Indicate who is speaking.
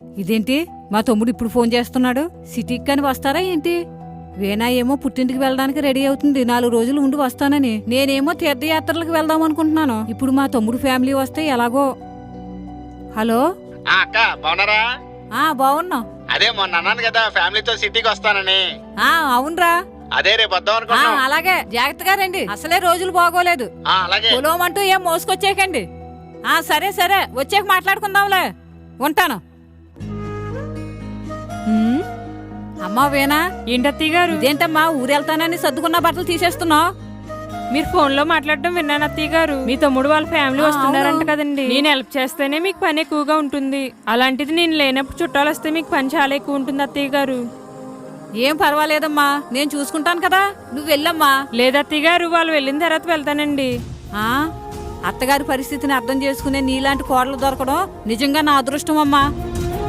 Speaker 1: ఇదేంటి మా తమ్ముడు ఇప్పుడు ఫోన్ చేస్తున్నాడు? సిటీకి కాని వస్తారా ఏంటి? వీణా ఏమో పుట్టింటికి వెళ్ళడానికి రెడీ అవుతుంది, 4 రోజులు ఉండి వస్తానని. నేనేమో తీర్థయాత్రలకు వెళ్దాం అనుకుంటున్నాను. ఇప్పుడు మా తమ్ముడు ఫ్యామిలీ వస్తే ఎలాగో. హలో
Speaker 2: అక్క బాగున్నారా?
Speaker 1: బాగున్నాం.
Speaker 2: అదే మొన్న అన్నాను కదా ఫ్యామిలీతో సిటీకి వస్తానని.
Speaker 1: అవునరా,
Speaker 2: అదే రేపు వద్దాం అనుకున్నాం.
Speaker 1: అలాగే జాగ్రత్తగా రండి, అసలే రోజులు బాగోలేదు.
Speaker 2: అలాగే
Speaker 1: పొలమంటూ ఏం మోసుకొచ్చేకండి. సరే సరే, వచ్చాక మాట్లాడుకుందాంలే. ఉంటాను. అమ్మా వీణా.
Speaker 3: ఏంటత్తయ్య గారు?
Speaker 1: ఇదేంటమ్మా ఊరెళ్తానని సర్దుకున్న బట్టలు తీసేస్తున్నావు?
Speaker 3: మీరు ఫోన్ లో మాట్లాడడం విన్నాను అత్తయ్య గారు. మీ తమ్ముడు వాళ్ళ ఫ్యామిలీ వస్తున్నారంట కదండి. నేను హెల్ప్ చేస్తేనే మీకు పని ఎక్కువగా ఉంటుంది. అలాంటిది నేను లేనప్పుడు చుట్టాలు వస్తే మీకు పని చాలా ఎక్కువ ఉంటుంది అత్తయ్య గారు.
Speaker 1: ఏం పర్వాలేదమ్మా, నేను చూసుకుంటాను కదా, నువ్వు వెళ్ళమ్మా.
Speaker 3: లేదత్తయ్య గారు, వాళ్ళు వెళ్ళిన తర్వాత వెళ్తానండి.
Speaker 1: అత్తగారి పరిస్థితిని అర్థం చేసుకునే నీలాంటి కోడలు దొరకడం నిజంగా నా అదృష్టం అమ్మా.